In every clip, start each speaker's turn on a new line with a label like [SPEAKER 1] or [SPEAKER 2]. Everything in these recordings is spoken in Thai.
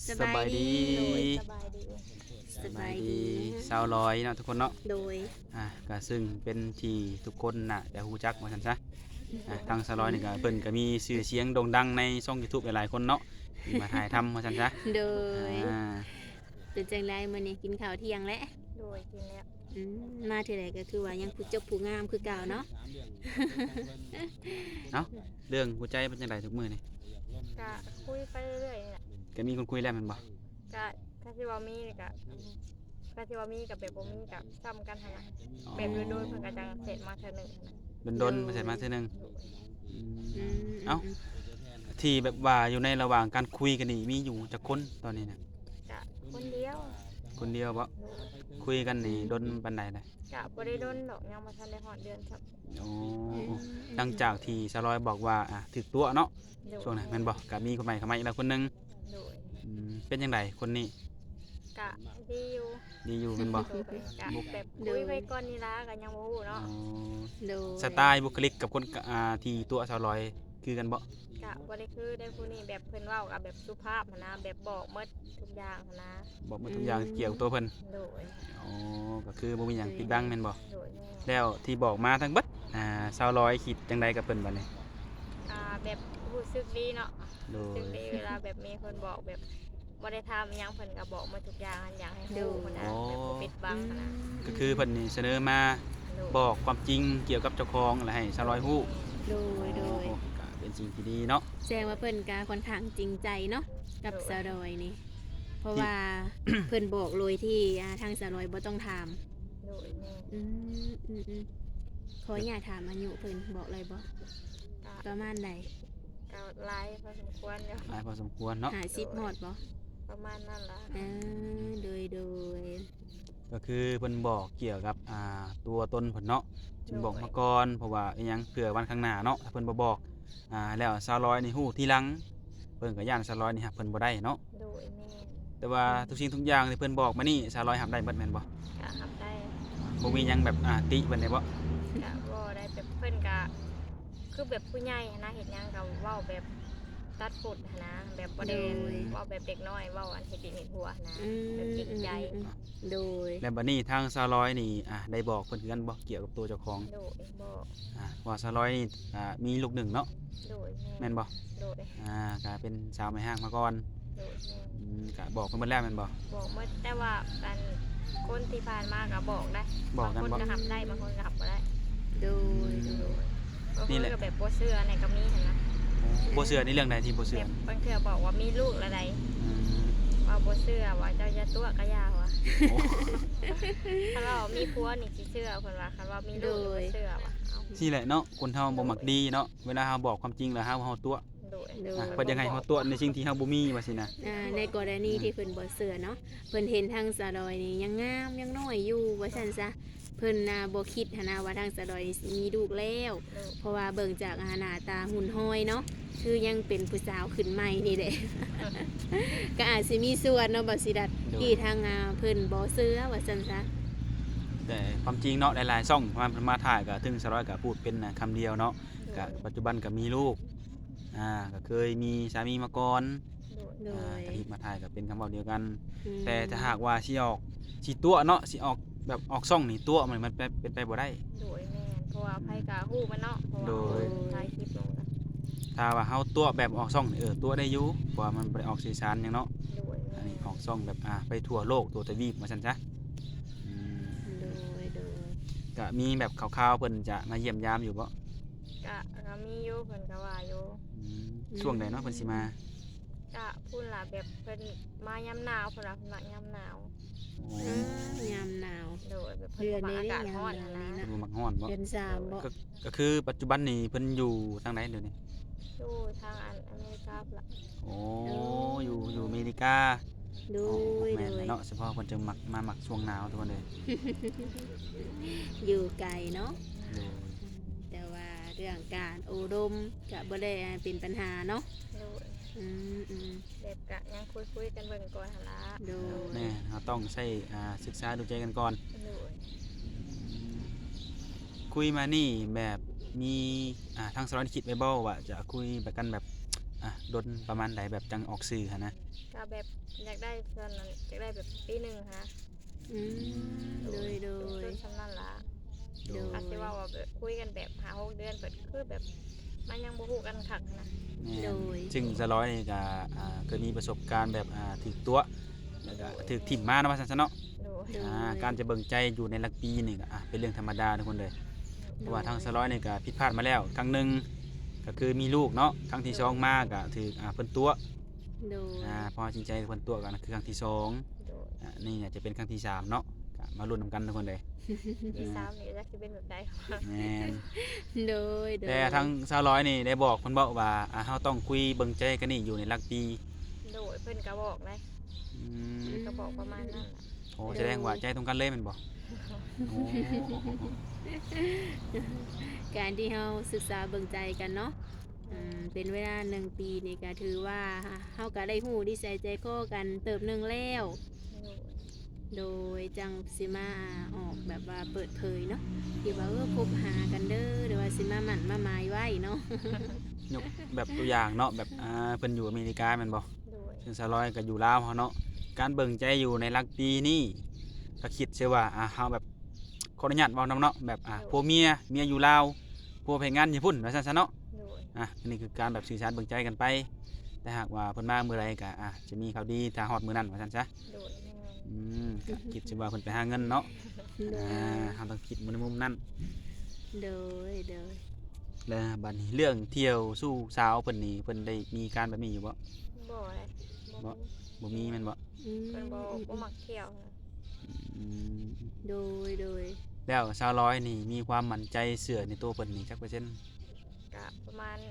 [SPEAKER 1] สบายดี
[SPEAKER 2] โดยสบายดี
[SPEAKER 1] สบายดีสาวร้อยเนาะทุกคนเนาะ
[SPEAKER 2] โดย
[SPEAKER 1] ก็ซึ่งเป็นที่ทุกคนน่ะแต่ฮู้จักว่าซั่นซะทางสาวร้อยนี่ก็เพิ่นก็มีชื่อเสียงโด่งดังในช่อง YouTube หลายๆคนเนาะที่มาถ่ายทำว่าซั่นซะ
[SPEAKER 2] โดย
[SPEAKER 1] อ่า
[SPEAKER 2] เป็นจังไดมื้อนี้กินข้าวเที่ยงแล้ว
[SPEAKER 3] โดยกินแล้ว
[SPEAKER 2] อืมมาเท่าใดก็คือว่ายังผู้จบผู้งามคือเก่าเนาะ
[SPEAKER 1] เนาะเรื่องหัวใจเป็นจังไดทุกมื้อนี่
[SPEAKER 3] ก็คุยไปเรื่อยๆนี่แหละ
[SPEAKER 1] ก็มีคนคุยแล้วแม่นบ่
[SPEAKER 3] ก็ถ้าสิว่ามีนี่ก็ถ้าสิว่ามีกับแบบบ่มีก็ซ้ำกันหั่นน่ะแบบโดยๆเพิ่นก็จังเสร็จมาเทื่อหนึงหั่นน่ะ
[SPEAKER 1] ดนๆมาใส่มาเทื่อนึงอืม
[SPEAKER 2] อืม
[SPEAKER 1] เอ้าที่แบบว่าอยู่ในระหว่างการคุยกันนี่มีอยู่จักคนตอนนี้น่ะ
[SPEAKER 3] ก็คนเดียว
[SPEAKER 1] คนเดียวบ่
[SPEAKER 3] โดย
[SPEAKER 1] คุยกันนี่ดนปานใดน่ะ
[SPEAKER 3] ก็บ่ได้โดนดอกยังบ่ทันได้ฮอดเดือนครับ
[SPEAKER 1] โอ้หลังจากที่สลอยบอกว่าถึกตัวเนาะ
[SPEAKER 3] โดย
[SPEAKER 1] ช่วงนั้นแม่นบ่ก็มีคนใหม่เข้ามาอีกแล้วคนหนึง
[SPEAKER 3] โดย
[SPEAKER 1] เป็นจังไดคนนี้
[SPEAKER 3] ก็ดีอยู่
[SPEAKER 1] ดีอยู่แม่นบ่
[SPEAKER 3] โดยก็แบบคุยไปก่อนนี่ล่ะก็ยังบ่ฮู้เนาะ
[SPEAKER 1] อ๋อ
[SPEAKER 2] โดย
[SPEAKER 1] สไตล์บุคลิกกับคนที่ตัวสลอยคือกันบ่
[SPEAKER 3] ก็บ่ได้คือได้ผู้นี้แบบเพิ่นเว้าก็แบบสุภาพหั่นนะแบบบอกหมดทุกอย่างหั่นนะ
[SPEAKER 1] บอกหมดทุกอย่างเกี่ยวกับตัวเพิ่น
[SPEAKER 3] โดย
[SPEAKER 1] อ๋อก็คือบ่มีหยังปิดบังแม่นบ่
[SPEAKER 3] โดยแม่
[SPEAKER 1] แล้วที่บอกมาทั้งเบิดสลอยคิดจังไดกับเพิ่นบัดนี้
[SPEAKER 3] แบบรู้สึกดีเนาะ
[SPEAKER 1] โด
[SPEAKER 3] รู้สึก
[SPEAKER 1] ย
[SPEAKER 3] ดีเวลาแบบมีคนบอกแบบบ่ได้ทำอิหยังเพิ่นก็บอกหมาทุกอย่างอยากให้รู้หั้นนะแบบบ่ปิดบังหั้นนะ
[SPEAKER 1] ก็คือเพิ่นนี่เสนอมาบอกความจริงเกี่ยวกับเจ้าของอะไรให้สลอยฮู้
[SPEAKER 2] โดยโดย
[SPEAKER 1] ก็เป็นสิ่งที่ดีเนาะ
[SPEAKER 2] แสดงว่าเพิ่นก็ค่อนข้างจริงใจเนาะกับสาวดอยนี่เพราะว่า เพิ่นบอกเลยที่ทางสาวดอยบ่ต้องถาม
[SPEAKER 3] โดยแม่
[SPEAKER 2] อืมอืมอืมขออย่าตถามอายุเพิ่นบอกเลยบ่
[SPEAKER 3] ก็
[SPEAKER 2] ประมาณใด
[SPEAKER 3] ก็หลายพอสมควรอยู่
[SPEAKER 1] หลายพอสมควรเนาะ
[SPEAKER 2] 50ฮอดบ่
[SPEAKER 3] ประมาณนั้นล่ะ
[SPEAKER 2] โดย
[SPEAKER 1] ก็คือเพิ่นบอกเกี่ยวกับตัวตนเพิ่นเนาะจึงบอกมาก่อนเพราะว่าอีหยังเผื่อวันข้างหน้าเนาะถ้าเพิ่นบ่บอกแล้วสาวร้อยนี่ฮู้ทีหลังเพิ่นก็ย่านสาวร้อยนี่รับเพิ่นบ่ได้เนาะ
[SPEAKER 3] โดยแม่
[SPEAKER 1] แต่ว่าทุกสิ่งทุกอย่างที่เพิ่นบอกมานี่สาวร้อยรับได้เบิดแม่นบ่
[SPEAKER 3] ก็ทำได้
[SPEAKER 1] บ่มีหยังแบบติเพิ่นได้บ่
[SPEAKER 3] ก็บ่ได้แบบเพิ่นก็คือแบบผู้ใหญ่หั้นนะเฮ็ดหยังก็เว้าแบบตัดปุดหั้นนะแบบบ่ได้เว้าแบบเด็กน้อยเว้าอันเฮ็ดดินเฮ็ดหัวหั้นนะแบบจริงใจ
[SPEAKER 2] โดย
[SPEAKER 1] แล้วบัดนี้ทางสาวร้อยนี่ได้บอกเพิ่นคือกันบ่เกี่ยวกับตัวเจ้าของ
[SPEAKER 3] โดยบอก
[SPEAKER 1] ว่าสาวร้อยนี่มีลูกหนึ่งเนาะ
[SPEAKER 3] โดย
[SPEAKER 1] แม่นบ่
[SPEAKER 3] โดย
[SPEAKER 1] ก็เป็นสาวแม่ห้างมาก่อน
[SPEAKER 3] โดยแม่
[SPEAKER 1] ก็บอกเพิ่นเบิดแล้วแม่นบ่
[SPEAKER 3] บอกหมดแต่ว่ากันคนที่ผ่านมาก็บอกได้
[SPEAKER 1] บอกกัน
[SPEAKER 3] บางคน
[SPEAKER 1] บ่
[SPEAKER 3] ก็หับได้บางคนก็หับบ่ได้
[SPEAKER 2] โดย
[SPEAKER 3] บางคนก็แบบบ่เชื่อในก็มีเห็นนะ
[SPEAKER 1] บ่เชื่อในเรื่องใดที่บ่เชื่
[SPEAKER 3] แบ
[SPEAKER 1] อบ
[SPEAKER 3] บางเทื่อบอกว่ามีลูกละใด
[SPEAKER 1] อืม
[SPEAKER 3] ว่าบ่เชื่อว่าเจ้าจะตัวก็ยาวว่ะ
[SPEAKER 1] โอ้
[SPEAKER 3] คันว่ามีผัวนี่สิเชื่อเพิ่นว่าคันว่ามีลูกนี่บ่เชื่อว่ะเอา
[SPEAKER 1] นี่แหละเนาะคนเฮาบ่มักดีเนาะเวลาเฮาบอกความจริงแล้วเฮาตัว
[SPEAKER 3] โดย
[SPEAKER 1] เพิ่นยังให้เฮาตัวในสิ่งที่เฮาบ่มีว่าสินะ
[SPEAKER 2] ในกรณีที่เพิ่นบ่เชื่อเนาะเพิ่นเห็นทางสะดอยนี่ยังงามยังน้อยอยู่ว่าซั่นซะเพิ่นบ่คิดหันนะว่าทางสะดอยสิมีลูกแล้ว เพราะว่าเบิ่งจากหน้าตาหุ่นห้อยเนาะคือยังเป็นผู้สาวขึ้นใหม่นี่แหละ ก็อาจสิมีส่วนเนาะบ่สิดัดที่ทางเพิ่นบ่เชื่อว่าซั่นซะ
[SPEAKER 1] แต่ความจริงเนาะหลายๆช่องมาถ่ายก็ถึงสร้อยก็พูดเป็นคำเดียวเนาะก็ปัจจุบันก็มีลูกก็เคยมีสามีมาก่อน
[SPEAKER 2] โดย
[SPEAKER 1] แต่ที่มาถ่ายก็เป็นคำเว้าเดียวกัน
[SPEAKER 2] อืม
[SPEAKER 1] แต่ถ้าหากว่าสิตัวเนาะสิออกแบบออกช่องนี่ตัวมันเป็นไปบ่ได้
[SPEAKER 3] โดยแม่นเพราะว่าไผก็ฮู้มันเนาะเพราะว่า
[SPEAKER 1] โดย
[SPEAKER 3] ถ่ายคลิปลงนะ
[SPEAKER 1] ถ้าว่าเฮาตัวแบบออกช่องนี่ตัวได้อยู่เพราะว่ามันบ่ได้ออกสื่อสารหยังเนาะ
[SPEAKER 3] โดย
[SPEAKER 1] อัน
[SPEAKER 3] แม่
[SPEAKER 1] นี้ออกช่องแบบไปทั่วโลกตัวทวีปว่าซั่นซะอืม
[SPEAKER 2] โดย
[SPEAKER 1] ก็มีแบบข่าวๆเพิ่นจะมาเยี่ยมยามอยู่บ่
[SPEAKER 3] ก็มีอยู่เพิ่นก็ว่าอยู่
[SPEAKER 1] อืมช่วงใดเนาะเพิ่นสิมา
[SPEAKER 3] ก็พูดล่ะแบบเพิ่นมายามหนาวเพิ่นว่าเพิ่นมักยามหนาว
[SPEAKER 1] โอ้
[SPEAKER 2] ยามหนาว
[SPEAKER 3] โดยแบบเพิ่นบ่มักอากาศร้อนหั้นนะ
[SPEAKER 1] เพิ่นบ่มักร้อนบ่
[SPEAKER 2] เดือนสามบ่
[SPEAKER 1] ก็คือปัจจุบันนี้เพิ่นอยู่ทางไหนเดี๋ยวนี้
[SPEAKER 3] อยู่ทางอเมริกาพุ่นล่ะ
[SPEAKER 1] โอ้อยู่อเมริกา
[SPEAKER 2] โด
[SPEAKER 1] อ๋อย
[SPEAKER 2] โด
[SPEAKER 1] แม่น
[SPEAKER 2] ย
[SPEAKER 1] เลยเนาะเฉพาะเพิ่นจะมักช่วงหนาวทุกคนเลย
[SPEAKER 2] อยู่ไกลเนาะ
[SPEAKER 1] โดย
[SPEAKER 2] แต่ว่าเรื่องการอบรมก็บ่ได้เป็นปัญหาเนาะ
[SPEAKER 3] โดย
[SPEAKER 2] อืม
[SPEAKER 3] แบบก็ยังคุยกันเบิ่งก่อนหั่นล่ะ
[SPEAKER 2] โดย
[SPEAKER 1] แม่เราต้องใช้ศึกษาดูใจกันก่อน
[SPEAKER 3] โดย
[SPEAKER 1] คุยมานี่แบบมีทางสารวัตรคิดไว้บ่ว่าจะคุยแบบกันแบบดนประมาณใดแบบจังออกสื่อหันนะ
[SPEAKER 3] ก็แบบอยากได้ส่วนนั้นอยากได้แบบปีหนึงฮะ
[SPEAKER 2] อืมโดย
[SPEAKER 3] ต้นสำนั่นล่ะ
[SPEAKER 2] โดย
[SPEAKER 3] อาจสิว่าว่าแบบคุยกันแบบหา6 เดือนเปิดคือแบบมันยังบ่ฮู้กันคักนะ
[SPEAKER 1] แม่น
[SPEAKER 2] โดย
[SPEAKER 1] ซึ่งสร้อยนี่ก็เคยมีประสบการณ์แบบถึกตัวแล้วก็ถึกถิ่มมาเนาะว่าซั่นซะเนาะ
[SPEAKER 3] โดย
[SPEAKER 2] โดย
[SPEAKER 1] การจะเบิ่งใจอยู่ในหลักปีนี่ก็เป็นเรื่องธรรมดาทุกคนเลยเพราะว่าทางสร้อยนี่ก็ผิดพลาดมาแล้วครั้งหนึงก็คือมีลูกเนาะครั้งที่สองมาก็ถือเพิ่นตัว
[SPEAKER 2] โดย
[SPEAKER 1] พอจริงใจเพิ่นตัวกันคือครั้งที่สอง
[SPEAKER 3] โดย
[SPEAKER 1] นี่เนี่ยจะเป็นครั้งที่สามเนาะก็มาลุ้นนำกันทุกคนเลย
[SPEAKER 3] ที่3นี่จักสิเป็นแบบใด
[SPEAKER 1] แม่น
[SPEAKER 2] โดยโดย
[SPEAKER 1] แต่ทางสาวร้อยนี่ได้บอกเพิ่นบอกว่าเฮาต้องคุยเบิ่งใจกันนี่อยู่ในหลักปี
[SPEAKER 3] โดยเพิ่นก็บอกเลย
[SPEAKER 1] อืม
[SPEAKER 3] ก็บอกประมาณนั้นล่ะ
[SPEAKER 1] โอ้แสดงว่าใจตรงกันเลยแม่นบ่โอ้
[SPEAKER 2] การที่เฮาศึกษาเบิ่งใจกันเนาะเป็นเวลา1 ปีนี่ก็ถือว่าเฮาก็ได้ฮู้นิสัยใจคอกันเติบหนึงแล้ว
[SPEAKER 3] โดย
[SPEAKER 2] โดยจังสิมาออกแบบว่าเปิดเผยเนาะที่ว่าคบหากันเด้อหรือว่าสิมาหมั่นมาหมายไว้เนาะ
[SPEAKER 1] ยกแบบตัวอย่างเนาะแบบเพิ่นอยู่อเมริกาแม่นบ่
[SPEAKER 3] โดย
[SPEAKER 1] ซึ่งสาวร้อยก็อยู่ลาวเฮาเนาะการเบิ่งใจอยู่ในหลักปีนี่ก็คิดเสียว่าเฮาแบบขออนุญาตเว้านำเนาะแบบผัวเมียอยู่ลาวผัวไปงานญี่ปุ่นว่าซั่นซะเนาะ
[SPEAKER 3] โดย
[SPEAKER 1] อันนี้คือการแบบสื่อสารเบิ่งใจกันไป แต่หากว่าเพิ่นมาเมื่อไรก็จะมีข่าวดีถ้าฮอดมื้อนั้นว่าซั่นซะ
[SPEAKER 3] โดยแม่น
[SPEAKER 1] ก็คิดสิว่าเพิ่นไปหาเงินเนาะ
[SPEAKER 2] โดย
[SPEAKER 1] เฮาต้องคิดในมุมนั้น
[SPEAKER 2] โดย
[SPEAKER 1] แล้วบัดนี้เรื่องเที่ยวสู่สาวเพิ่นนี่เพิ่นได้มีการแบบนี้อยู่บ่
[SPEAKER 3] บ่เลยบ่
[SPEAKER 1] บ่มีแม่นบ่
[SPEAKER 2] อืม
[SPEAKER 3] เพิ่นบ่มักเที่ยวนะ
[SPEAKER 1] อืม
[SPEAKER 2] โดย
[SPEAKER 1] แล้วสาวร้อยนี่มีความมั่นใจเชื่อในตัวเพิ่นนี่จักเปอร์เซ็นต์
[SPEAKER 3] ก็ประมาณ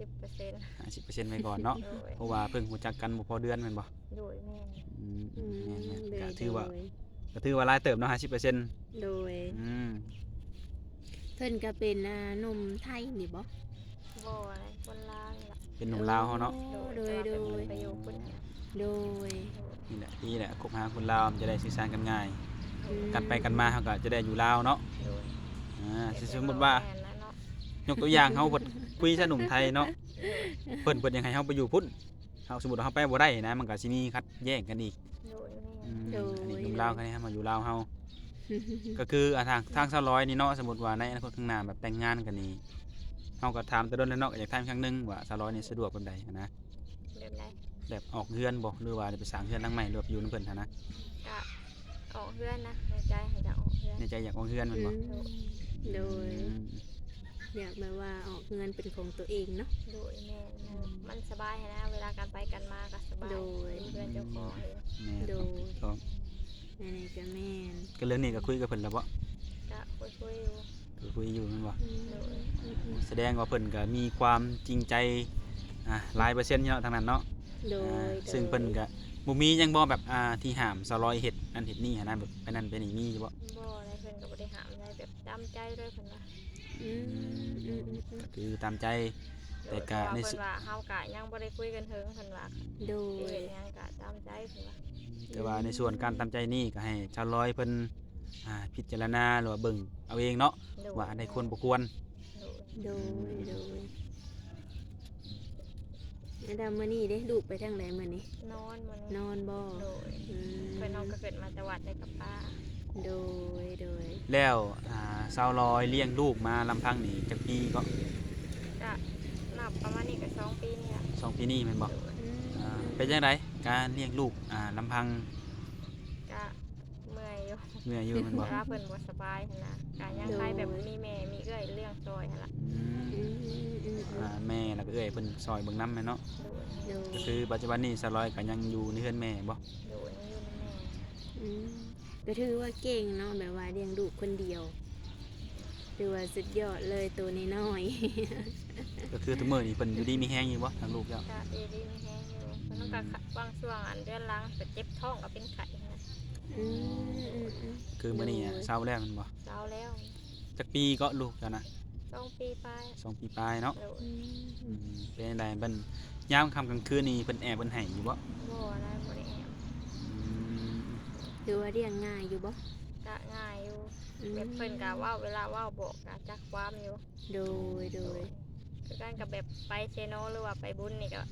[SPEAKER 3] 50%
[SPEAKER 1] 50%ไว้ก่อนเนาะ
[SPEAKER 3] โดย
[SPEAKER 1] เพราะว่าเพิ่งรู้จักกันบ่พอเดือนแม่นบ่
[SPEAKER 3] โดยแม่น
[SPEAKER 1] อืม
[SPEAKER 2] อืม
[SPEAKER 1] แม่น
[SPEAKER 2] โด
[SPEAKER 1] ๆ
[SPEAKER 2] ย
[SPEAKER 1] ก็ถือว่าหลายเติบเนาะ50%
[SPEAKER 2] โดย
[SPEAKER 1] อืม
[SPEAKER 2] เพิ่นก็เป็นหนุ่มไทยนี่บ่
[SPEAKER 3] บ่อะไรคนลาวนี่ล่ะ
[SPEAKER 1] เป็นหนุ่มลาวเฮาเนาะ
[SPEAKER 2] โดย
[SPEAKER 3] แต่ว่าเพิ่นไปอยู่พุ่นน่ะ
[SPEAKER 2] โดย
[SPEAKER 1] นี่แหละคบหาคนลาวมันจะได้สื่อสารกันง่าย
[SPEAKER 2] อืม
[SPEAKER 1] กันไปกันมาเขาก็จะได้อยู่ลาวเนาะ
[SPEAKER 3] โดย
[SPEAKER 1] สมมติว่า
[SPEAKER 3] แม่นนะเนาะ
[SPEAKER 1] ยกตัวอย่างเฮาเพิ่นคุยซะหนุ่มไทยเนาะเพิ่นยังให้เฮาไปอยู่พุ่นเฮาสมมุติว่าเฮาไปบ่ได้นะมันก็สิมีขัดแย้งกันอีก
[SPEAKER 3] โดยแม่น
[SPEAKER 1] อันนี้หนุ่มลาวกันให้มาอยู่ลาวเฮาก็คือทาง200นี่เนาะสมมุติว่าในอนาคตข้างหน้าแบบแต่งงานกันนี่เฮาก็ถามแต่โดนแล้วเนาะก็อยากถามครั้งหนึงว่า200นี่สะดวกปานใดนะ
[SPEAKER 3] แบบใด
[SPEAKER 1] แบบออกเฮือนบ่หรือว่าจะไปสร้างเฮือนหลังใหม่หรือว่าไปอยู่นำเพิ่นหันนะ
[SPEAKER 3] ก็ออกเพื่อนนะในใจให้จะออกเพื่อน
[SPEAKER 1] ในใจอยากออกเฮือนแม่นบ่
[SPEAKER 2] โดย
[SPEAKER 1] อืม
[SPEAKER 2] อยากแบบว่าออกเงินเป็นของตัวเองเนาะ
[SPEAKER 3] โดยแม่นมันสบายนะเวลาการไปกันมาก็สบาย
[SPEAKER 2] โดย
[SPEAKER 3] มีเพื่อนเจ้าของเลย
[SPEAKER 1] แม่
[SPEAKER 2] โดย
[SPEAKER 1] ก็
[SPEAKER 2] อันนี้ก็แม่น
[SPEAKER 1] ก็เรื่องนี้ก็คุยกับเพิ่นแล้วบ่
[SPEAKER 3] ก็คุยๆอยู่
[SPEAKER 1] ก็คุยอยู่แม่นบ่
[SPEAKER 3] โดย
[SPEAKER 1] แสดงว่าเพิ่นก็มีความจริงใจหลายเปอร์เซ็นต์เนาะทางนั้นเนาะ
[SPEAKER 2] โดย
[SPEAKER 1] ซึ่งเพิ่นก็บ่มีหยังบ่แบบที่ห้าม200เฮ็ดอันเฮ็ดนี่หันนะแบบไปนั่นไปนี่มีอยู่บ่
[SPEAKER 3] บ่ได้เพิ่นก็บ่ได้หามอะไรแบบตามใจเลยเพิ่นว่า
[SPEAKER 2] อืม
[SPEAKER 1] ก็คือตามใจ แต่
[SPEAKER 3] โดย
[SPEAKER 1] ก็
[SPEAKER 3] เพราะว่า
[SPEAKER 1] ใน
[SPEAKER 3] เพิ่นว่าเฮาก็ยังบ่ได้คุยกันถึงเพิ่นว่า
[SPEAKER 2] โด
[SPEAKER 3] สิ
[SPEAKER 2] ย
[SPEAKER 3] เฮ็ดหยังก็ตามใจเพิ่นว่า
[SPEAKER 1] แต่ว่าในส่วนการตามใจนี่ก็ให้ชาวร้อยเพิ่นพิจารณาหรือว่าเบิ่งเอาเองเนาะ
[SPEAKER 3] โดย
[SPEAKER 1] ว่าอันใดควรบ่ควร
[SPEAKER 3] โดย
[SPEAKER 2] โดยอันดามื้อนี้เด้ลูกไปทางไหนมื้อนี้
[SPEAKER 3] นอนมื้อนี้
[SPEAKER 2] นอนบ่
[SPEAKER 3] โดย
[SPEAKER 2] อืม
[SPEAKER 3] เพิ่นเฮาก็เกิดมาแต่วัดได้กับป้า
[SPEAKER 2] โดย
[SPEAKER 1] แล้วชาวร้อยเลี้ยงลูกมาลำพังนี่จักปีก็
[SPEAKER 3] ก็นับประมาณนี้ก็2 ปีนี่ล่ะ
[SPEAKER 1] 2 ปีนี้แม่นบ่
[SPEAKER 3] โดย
[SPEAKER 1] เป็นจังไดการเลี้ยงลูกลำพัง
[SPEAKER 3] ก็เมื่อยอยู่
[SPEAKER 1] เมื่อยอยู่แม่นบ่
[SPEAKER 3] เวลาเพิ่นบ่สบายหั่นนะก็ยังใครแบบมีแม่มีเอื้อยเลี้ยงซอยหั่นล่ะ
[SPEAKER 1] อืมแม่แล้วก็เอ้ยเพิ่นซอยเบิ่งนำแม่เนาะ
[SPEAKER 3] โดย
[SPEAKER 2] โดย
[SPEAKER 1] ก็คือปัจจุบันนี้สลอยก็ยังอยู่ในเฮือนแม่บ่
[SPEAKER 3] โดยนี่อยู่นำแม่
[SPEAKER 2] อืมก็ถือว่าเก่งเนาะแบบว่าเลี้ยงลูกคนเดียวถือว่าสุดยอดเลยตัวน้อย
[SPEAKER 1] ก็คือทุกมื้อนี้เพิ่นอยู่ดีมีแฮงอยู่บ่ทางลูกแล้ว
[SPEAKER 3] ก็ดีมีแฮงอยู่เพิ่นต้องการบางช่วงอันเดือนหลังก็เจ็บท้องก็เป็นไข้นะ
[SPEAKER 2] ๆอืม
[SPEAKER 1] คือมื้อนี้เศร้าแล้วแมันบ่
[SPEAKER 3] เช้าแล้ว
[SPEAKER 1] จักปีก็ลูกแล้วนะ
[SPEAKER 3] 2 ปีไป
[SPEAKER 1] 2 ปีปลายเนาะ
[SPEAKER 3] โดย
[SPEAKER 1] เป็นจังไดเพิ่นยามค่ำกลางคืนนี่เพิ่นแอบเพิ่นให้อยู่บ่
[SPEAKER 3] บ่ได้บ่ได้แอบ
[SPEAKER 1] อืม
[SPEAKER 2] ถือว่าเลี้ยงง่ายอยู่บ่
[SPEAKER 3] ก็ง่ายอยู่
[SPEAKER 2] อืม
[SPEAKER 3] แบบเพิ่นก็เว้าเวลาเว้าบอกก็จักความอยู่
[SPEAKER 2] โดย
[SPEAKER 3] คือกันกับแบบไปเซโนหรือว่าไปบุญนี่ก็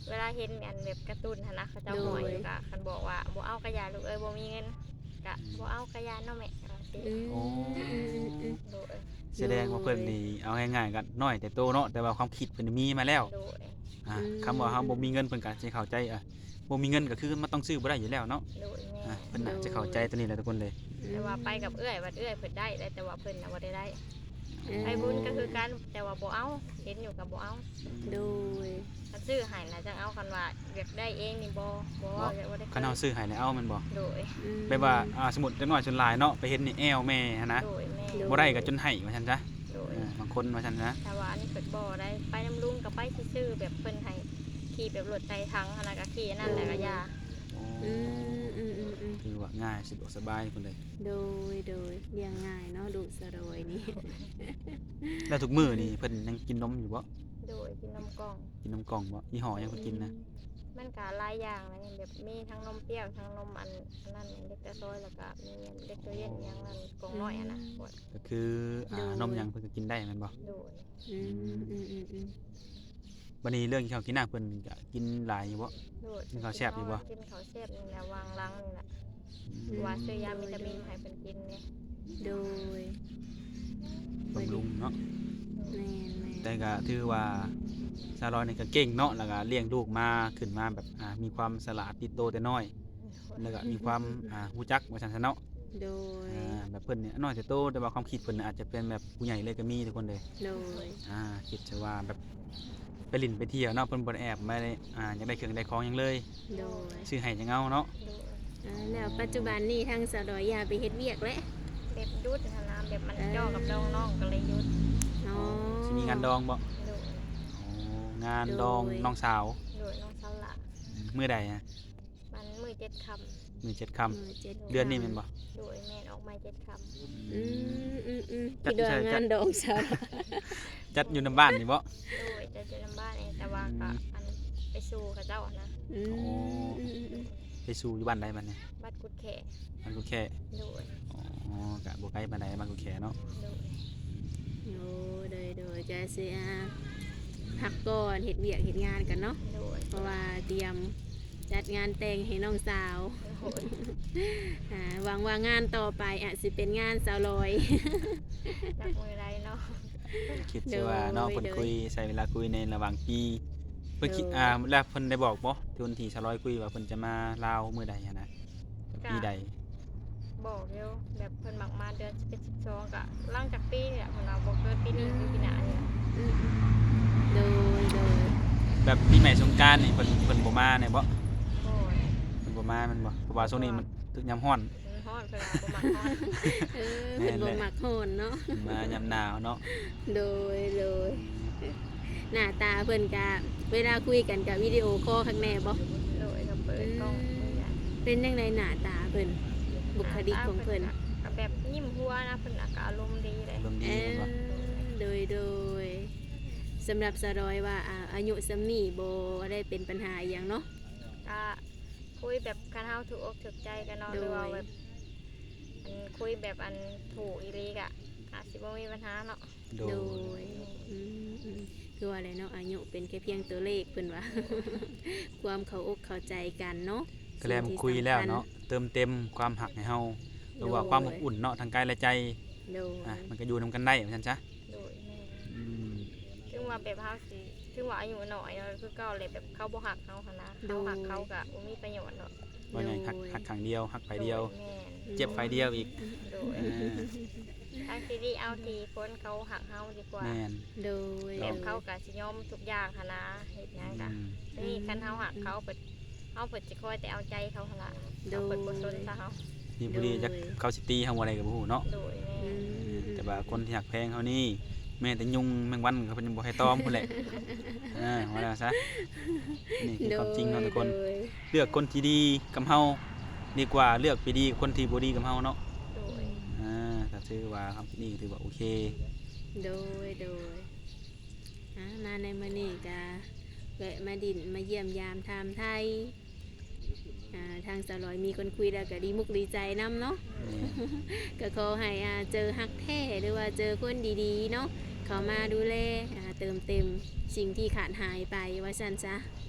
[SPEAKER 3] เวลาเห็นอันแบบการ์ตูนหั้นนะเขาเจ้าหอยอยู่กะคันบอกว่าบ่เอากระยาลูกเอ้ยบ่มีเงินกะบ่เอากระยาเนาะแม่ว่าสิ
[SPEAKER 2] อืม
[SPEAKER 1] โอ้
[SPEAKER 3] โดย
[SPEAKER 1] แสดงว่าเพิ่นนี่เอาง่ายๆก็น้อยแต่โตเนาะแต่ว่าความคิดเพิ่นมีมาแล้ว
[SPEAKER 3] โดย
[SPEAKER 1] คำว่าเฮาบ่มีเงินเพิ่นก็สิเข้าใจบ่มีเงินก็คือมันต้องซื้อบ่ได้อยู่แล้วเนาะ
[SPEAKER 3] โดยแม่
[SPEAKER 1] เพิ่นน่าจะเข้าใจตัวนี้แหละทุกคนเลย
[SPEAKER 3] แต่ว่าไปกับเอื้อยวัดเอื้อยเพิ่นได้แต่ว่าเพิ่นน่ะบ่ได้ไปบุญก็คือกันแต่ว่าบ่เอาเห็นอยู่กับบ่เอา
[SPEAKER 2] โดย
[SPEAKER 3] คันซื้อให้น่ะจังเอาคันว่าอยากได้เองนี่บ่อยากบ่ได้
[SPEAKER 1] คันเฮาซื้อให้แล้วเอามันบ่
[SPEAKER 3] โดย
[SPEAKER 1] แบบว่าสมมุติเด็กน้อยจนหลายเนาะไปเห็นนี่แอวแม่หันนะ
[SPEAKER 3] โดยแม่
[SPEAKER 1] บ่ได้ก็จนให้ว่าซั่นซะ
[SPEAKER 3] โดย
[SPEAKER 1] บางคนว่าซั่นนะ
[SPEAKER 3] แต่ว่าอันนี้เปิดบ่อได้ไปน้ำลุงกับไปซื่อๆแบบเพิ่นให้ขี่แบบรถไถทั้งอันนั้นก็ขี่อันนั่นแหละก็ยา
[SPEAKER 1] โอ้
[SPEAKER 2] อืม
[SPEAKER 1] คือว่าง่ายสะดวกสบายคนเลย
[SPEAKER 2] โดยเลี้ยงง่ายเนาะลูกสะดอยนี่
[SPEAKER 1] แล้วทุกมื้อนี่เพิ่นยังกินนมอยู่บ่
[SPEAKER 3] โดยกินนมกล่อง
[SPEAKER 1] กินนมกล่องบ่ยี่ห้อยังเพิ่นกินนะ
[SPEAKER 3] มันก็หลายอย่างนะอย่างแบบมีทั้งนมเปรี้ยวทั้งนมอันนั้นเล็กแต่ซอยแล้วก็มีเล็กตัวเย็นอย่างนั้นกล่องน้อยอ่ะนะกด
[SPEAKER 1] ก็คือนมหยังเพิ่นก็กินได้แม่นบ่
[SPEAKER 3] โดย
[SPEAKER 2] อืม
[SPEAKER 1] บัดนี้เรื่องกินข้าวกินน้ำเพิ่นก็กินหลายอยู่บ่
[SPEAKER 3] โดย
[SPEAKER 1] กินข้าวแซ่บอยู่บ่
[SPEAKER 3] กินข้าวแซ่บนี่แหละวางลังนี่แหละว่าซื้อยาวิตามินให้เพิ่นกินเนี่ย
[SPEAKER 2] โดย
[SPEAKER 1] บำรุงเนาะ
[SPEAKER 2] แม่น
[SPEAKER 1] แต่ก็ถือว่าซาลอยนี่ก็เก่งเนาะแล้วก็เลี้ยงลูกมาขึ้นมาแบบมีความฉลาดติดโตแต่น้อย แล้วก็มีความรู้จักว่าซั่นซะเนาะ
[SPEAKER 2] โดย
[SPEAKER 1] แบบเพิ่นเนี่ยน้อยแต่โตแต่ว่าความคิดเพิ่นน่ะอาจจะเป็นแบบผู้ใหญ่เลยก็มีทุกคนเลย
[SPEAKER 2] โดย
[SPEAKER 1] คิดจะว่าแบบไปเลินไปเที่ยวเนาะเพิ่นบ่ได้แอบไม่ได้อยากได้เครื่องได้ของหยังเลย
[SPEAKER 2] โดย
[SPEAKER 1] ซื้อให้จังเอาเนาะ
[SPEAKER 3] โดย
[SPEAKER 2] แล้วปัจจุบันนี่ทางสะดอยยาไปเฮ็ดเวียกแล้ว
[SPEAKER 3] แบบยุดนะนะแบบมันย่อกับน้องๆก็เลยยุด
[SPEAKER 2] อ๋อ
[SPEAKER 1] สิมีงานดองบ่
[SPEAKER 3] โดย
[SPEAKER 1] งานดองน้องสาว
[SPEAKER 3] โดยน้องสาวละ
[SPEAKER 1] มื้อใด
[SPEAKER 3] มันมือ7 ค่
[SPEAKER 1] มื้อ7 ค่ำเดือนนี้แม่นบ่
[SPEAKER 3] ำโดยแม่นออกมา7 ค่ำ
[SPEAKER 2] พี่ดองงานดองสะดอย
[SPEAKER 1] จัดอยู่ในบ้านนี่บ่
[SPEAKER 3] โดยจะเจอน้ำบ้านเองแต่ว่าก็อันไปสู่กับเจ้าอะนะ
[SPEAKER 1] ไปสู่อยู่บ้านใดบัดนี้
[SPEAKER 3] บัดกุดแข
[SPEAKER 1] บ้านกูแค่
[SPEAKER 3] โดย
[SPEAKER 1] ก็บ่ไกลปานใดบ้านกูแค่เนาะ
[SPEAKER 3] โดย
[SPEAKER 2] โอ้โดยก็สิพักก่อนเฮ็ดเวียกเฮ็ดงานกันเนาะ
[SPEAKER 3] โดย
[SPEAKER 2] เพราะว่าเตรียมจัดงานแต่งให้น้องสาว
[SPEAKER 3] โดย
[SPEAKER 2] หวังว่างานต่อไปอาจสิเป็นงานสาวลอย
[SPEAKER 3] จับมือไรเนาะ
[SPEAKER 1] คิดซะว่าเนาะเพิ่น
[SPEAKER 2] โดย
[SPEAKER 1] คุยใช้เวลาคุยในระหว่างปีเพิ่นคิดแล้วเพิ่นได้บอกบ่ที่วันที่200คุยว่าเพิ่นจะมาลาวมื้อใดหันนะปีใด
[SPEAKER 3] บอกเร็วแบบเพิ่นมักมาเดือน12ก็หลังจากปีเนี่ยเพิ่นเอาบ่เกินปีนี้หรือปีหน้าเนี่ย
[SPEAKER 2] โดย
[SPEAKER 1] แบบปีใหม่สงกรานต์นี่เพิ่นบ่มาแน่บ่
[SPEAKER 3] โอ้ย
[SPEAKER 1] เพิ่นบ่มาแมันบ่เพราะว่าช่วงนี้มันตึกยามร้อน
[SPEAKER 3] มันฮ้อนเพิ่นว่าบ่มักฮ้อน
[SPEAKER 2] เพิ่นบ่มักโหนเนาะ
[SPEAKER 1] มายามหนาวเนาะ
[SPEAKER 2] โดยหน้าตาเพิ่นก็เวลาคุยกันกับวิดีโอคอลข้างในบ่
[SPEAKER 3] โดยก็เปิดกล้องเลยอะ
[SPEAKER 2] เป็นจังไดหน้าตาเพิ่นบุคลิกของเพิ่น
[SPEAKER 3] ก็แบบยิ้มหัวนะเพิ่นก็อารมณ์ดีเลย
[SPEAKER 1] ลมดีแม่นบ่
[SPEAKER 2] โดยสำหรับสะดอยว่าอายุสำนี้บ่ได้เป็นปัญหาอหย่างเนาะ
[SPEAKER 3] ก็คุยแบบคันเฮาถูกอกถูกใจกันเนาะหรือว่าแบบอันคุยแบบอันถูกอีหลีกะอาจสิบ่มีปัญหาเนาะ
[SPEAKER 1] โด
[SPEAKER 2] โด
[SPEAKER 1] ย
[SPEAKER 2] ยคือว่าอะไรเนาะอายุเป็นแค่เพียงตัวเลขเพิ่นว่า ความเข้าอกเข้าใจกันเนาะ
[SPEAKER 1] ก็แล้วมันคุยแล้วเนาะเติมเต็มความหักให้เฮาหรือว่าความอบอุ่นเนาะทางกายและใจ
[SPEAKER 2] โดย
[SPEAKER 1] มันก็อยู่นํกันได้ว่าซั่นซะ
[SPEAKER 3] โดยแม่
[SPEAKER 1] อืม
[SPEAKER 3] ถึงว่าแบบเฮาสิถึงว่าอายุน้อยเนาะคือเก่าเลยแบบเขาบ่ฮักเฮาหั่นนะเขาฮักเขาก็บ่มีประโยชน์เนาะ
[SPEAKER 1] ว่าไงหักครั้งเดียวหักไฟเดียว
[SPEAKER 3] โแม่น
[SPEAKER 1] เจ็บไฟเดียวอีก
[SPEAKER 3] โดยทางที่ดีเอาทีคนเขาหักเฮาดีกว่า
[SPEAKER 1] แม่น
[SPEAKER 2] โดย
[SPEAKER 3] แบบเขาก็สิยอมทุกอย่างหั่นนะเฮ็ดหยังก็นี่คันเฮาหักเขาเปิดเฮาเปิดสิคอยแต่เอาใจเขาหั่นล่ะเขาเปิดบ่สนซะเฮา
[SPEAKER 1] นี่ผู้ดีจักเขาสิตีเฮาบ่ได้ก็บ่ฮู้เนาะ
[SPEAKER 3] โดยแม่
[SPEAKER 1] แต่ว่าคนที่หักแพงเฮานี่แม่แต่ยุงแมงวันก็เพิ่นยังบ่ให้ตอมพุ่นแหละว่าแล้วซะนี่คือความจริงเนาะทุกคน เลือกคนที่ดีกับเฮาดีกว่าเลือกไปดีกับคนที่บ่ดีกับเฮาเนาะ
[SPEAKER 3] โดย
[SPEAKER 1] ถ้าถือว่าคำนี้ถือว่าโอเค
[SPEAKER 2] โดยมาในมื้อนี้ก็แวะมาดินมาเยี่ยมยามถามไทยทางสาวลอยมีคนคุยแล้วก็ดีมุกดีใจนํเนาะ ก็ขอให้เจอฮักแท้หรือว่าเจอคนดีๆเนาะเขามาดูแลเติมเต็มสิ่งที่ขาดหายไปว่าซั่นซะ
[SPEAKER 3] โ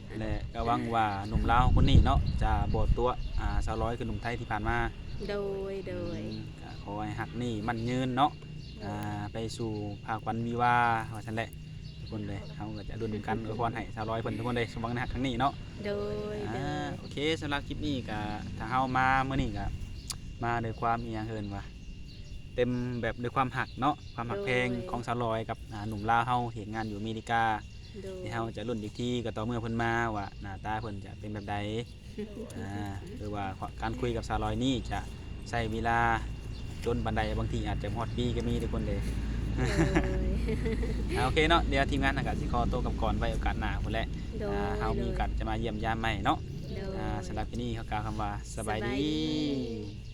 [SPEAKER 1] และก็หวังว่าหนุ่มลาวคนนี้เนาะจะบ่ตัวสาวร้อยคือหนุ่มไทยที่ผ่านมา
[SPEAKER 2] โดย
[SPEAKER 1] ก็ขอให้หักนี่มันยืนเนาะไปสู่ภาควันวิวาห์ว่าซั่นแหละทุกคนเลยเฮาก็จะรุ่นกันอวยพรให้สาวร้อยเพิ่นทุกคนเลยสมหวังในหักครั้งนี้เนาะ
[SPEAKER 2] โดย
[SPEAKER 1] โอเคสำหรับคลิปนี้ก็ถ้าเฮามามื้อนี้ก็มาด้วยความอีหยังเอิ้นว่าเต็มแบบด้วยความหักเนาะความหักเพลงของสาวร้อยกับหนุ่มลาวเฮาเฮ็ดงานอยู่อเมริกา
[SPEAKER 2] โดย
[SPEAKER 1] ที่เฮาจะรุ่นอีกทีก็ต่อเมื่อเพิ่นมาว่าหน้าตาเพิ่นจะเป็นแบบใดหรือว่าการคุยกับสาวร้อยนี่จะใช้เวลาจนบันไดบางทีอาจจะฮอดปีก็มีทุกคนเลย โอเคเนาะเดี๋ยวทีมงานก็สิขอตัวกลับก่อนไว้โอกาสหน้าพุ่นแหละ
[SPEAKER 2] โดย
[SPEAKER 1] เฮามีโอกาสจะมาเยี่ยมยามใหม่เนาะ
[SPEAKER 2] โดย
[SPEAKER 1] สำหรับที่นี่เขากล่าวคำว่าสบายดี